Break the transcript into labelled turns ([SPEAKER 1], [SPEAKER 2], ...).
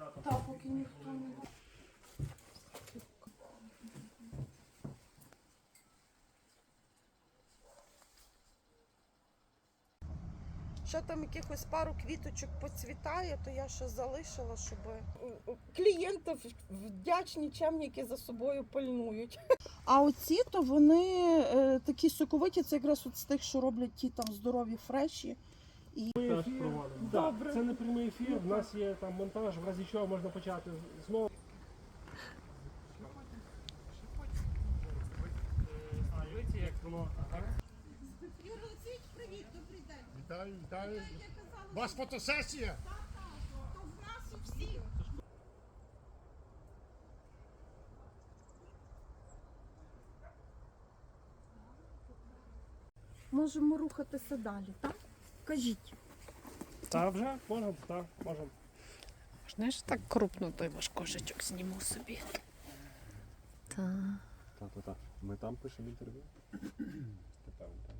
[SPEAKER 1] Так, поки ніхто не... Ще там якихось пару квіточок поцвітає, то я ще залишила, щоб клієнтів вдячні чемники за собою пильнують. А оці, то вони такі соковиті, це якраз от з тих, що роблять ті там здорові фреші.
[SPEAKER 2] Теж проводимо.
[SPEAKER 1] Добре.
[SPEAKER 2] Це не прямий ефір, в нас є там монтаж, в разі чого можна почати знову. А, дивіться, як воно.
[SPEAKER 1] Юрій Олексійович, привіт, добрий день.
[SPEAKER 3] Вітаю, вітаю.
[SPEAKER 1] Я казала,
[SPEAKER 3] У вас фотосесія?
[SPEAKER 1] то в нас у всіх. Можемо рухатися далі, так? Кажіть.
[SPEAKER 2] Та вже можемо, так, можемо.
[SPEAKER 4] Знаєш, так крупно той ваш кошечок зніму собі. Так.
[SPEAKER 5] Так. Ми там пишемо інтерв'ю? Напевно.